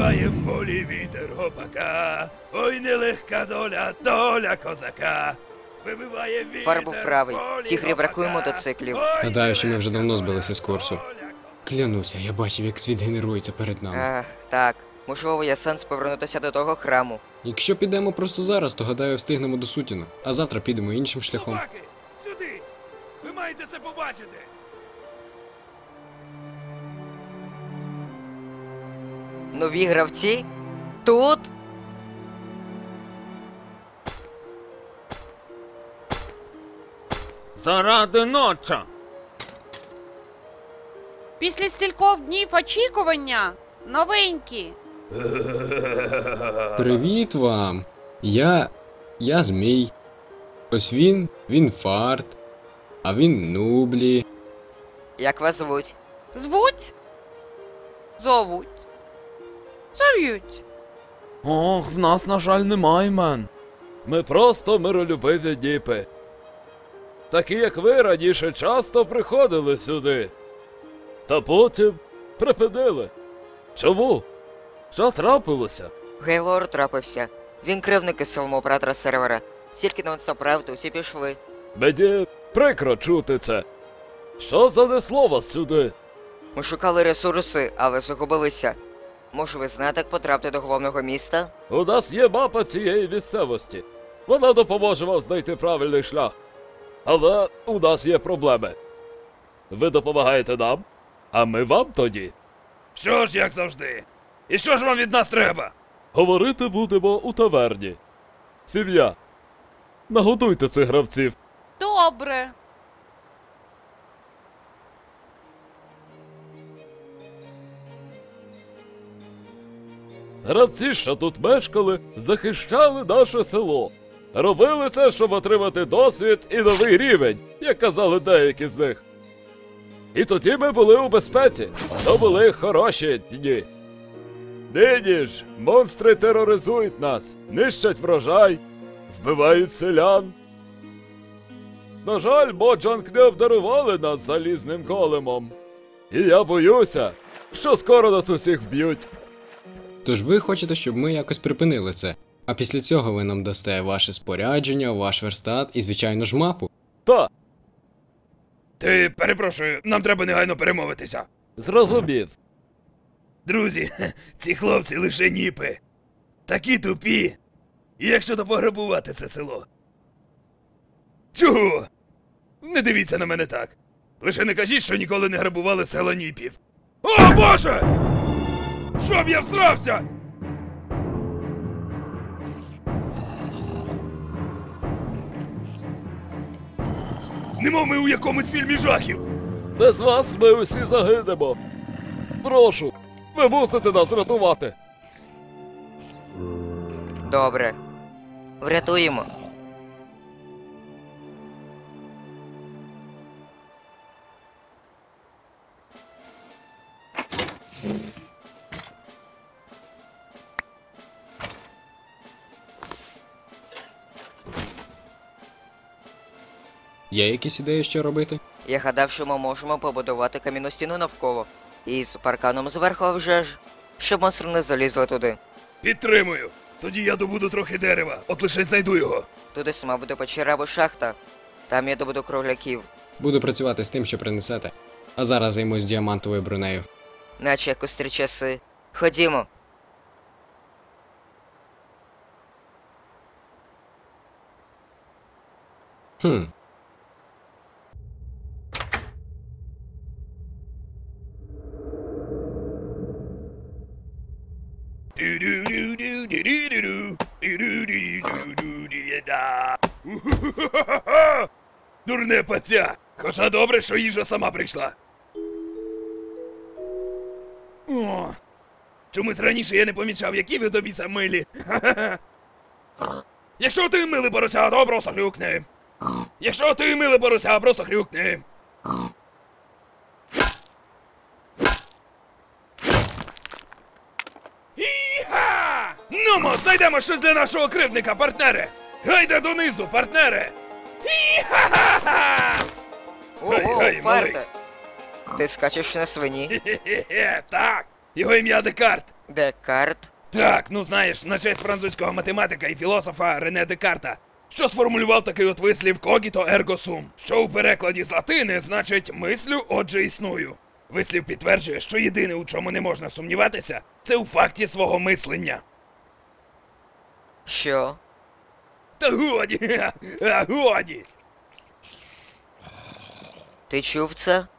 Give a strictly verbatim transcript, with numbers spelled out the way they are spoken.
Вибиває в полі вітер гопака, ой, нелегка доля, доля козака. Вибиває вітер. Фар був правий. в полі Тігрі бракує гопака. мотоциклів. Ой, Гадаю, що ми вже давно нелегка збилися з курсу. доля козака. Клянуся, я бачив, як світ генерується перед нами. Ах, так. Можливо, є сенс повернутися до того храму. Якщо підемо просто зараз, то гадаю, встигнемо до сутінок, а завтра підемо іншим шляхом. Собаки, сюди! Ви маєте це побачити! Нові гравці? Тут? Заради ночі! Після стількох днів очікування новенькі. Привіт вам! Я. Я Змій. Ось він, він Фарт, а він Нублі. Як вас звуть? Звуть? Зовуть. Зов'ють. Ох, в нас, на жаль, немає імен. Ми просто миролюбиві діпи. Такі, як ви, раніше часто приходили сюди. Та потім припинили. Чому? Що трапилося? Гейлор трапився. Він кривник із самого оператора сервера. Тільки на це правду, усі пішли. Мені прикро чути це. Що занесло вас сюди? Ми шукали ресурси, але загубилися. Може, ви знаєте, як потрапити до головного міста? У нас є мапа цієї місцевості. Вона допоможе вам знайти правильний шлях. Але у нас є проблеми. Ви допомагаєте нам, а ми вам тоді. Що ж, як завжди? І що ж вам від нас треба? Говорити будемо у таверні. Сім'я. Нагодуйте цих гравців. Добре. Гравці, що тут мешкали, захищали наше село. Робили це, щоб отримати досвід і новий рівень, як казали деякі з них. І тоді ми були у безпеці. То були хороші дні. Нині ж монстри тероризують нас, нищать врожай, вбивають селян. На жаль, Моджанг не обдарували нас залізним големом. І я боюся, що скоро нас усіх вб'ють. Тож ви хочете, щоб ми якось припинили це. А після цього ви нам дасте ваше спорядження, ваш верстат і, звичайно ж, мапу. Та, Ти, перепрошую, нам треба негайно перемовитися. зрозумів. Друзі, ці хлопці лише ніпи. Такі тупі. І як щодо пограбувати це село? Чого? Не дивіться на мене так. Лише не кажіть, що ніколи не грабували села ніпів. О, Боже! Щоб я всрався! Немов ми у якомусь фільмі жахів. Без вас ми усі загинемо. Прошу, ви мусите нас рятувати. Добре. Врятуємо. Є якісь ідеї, що робити? Я гадав, що ми можемо побудувати кам'яну стіну навколо. І з парканом зверху, а вже ж, щоб монстри не залізли туди. Підтримую. Тоді я добуду трохи дерева, от лише знайду його. Туди сама буде печера або шахта. Там я добуду кругляків. Буду працювати з тим, що принесете. А зараз займусь діамантовою бронею. Наче як у старі часи. Ходімо. Хм. Дурне паця! Хоча добре, що їжа сама прийшла. О, чомусь раніше я не помічав, які ви до біса милі. Якщо ти милий порося, то просто хрюкни. Якщо ти милий порося, просто хрюкни. Іха! Нумо, знайдемо щось для нашого кривдника, партнере! Гайда донизу, партнере! Іха-ха-ха! Ого, гай, Фарте! Ти скачеш на свині? Хе-хе-хе, так! Його ім'я Декарт! Декарт? Так, ну знаєш, на честь французького математика і філософа Рене Декарта, що сформулював такий от вислів «когіто ерго сум», що у перекладі з латини значить «мислю, отже існую». Вислів підтверджує, що єдине, у чому не можна сумніватися, це у факті свого мислення. Що? Та годі, а годі! Ти чув це?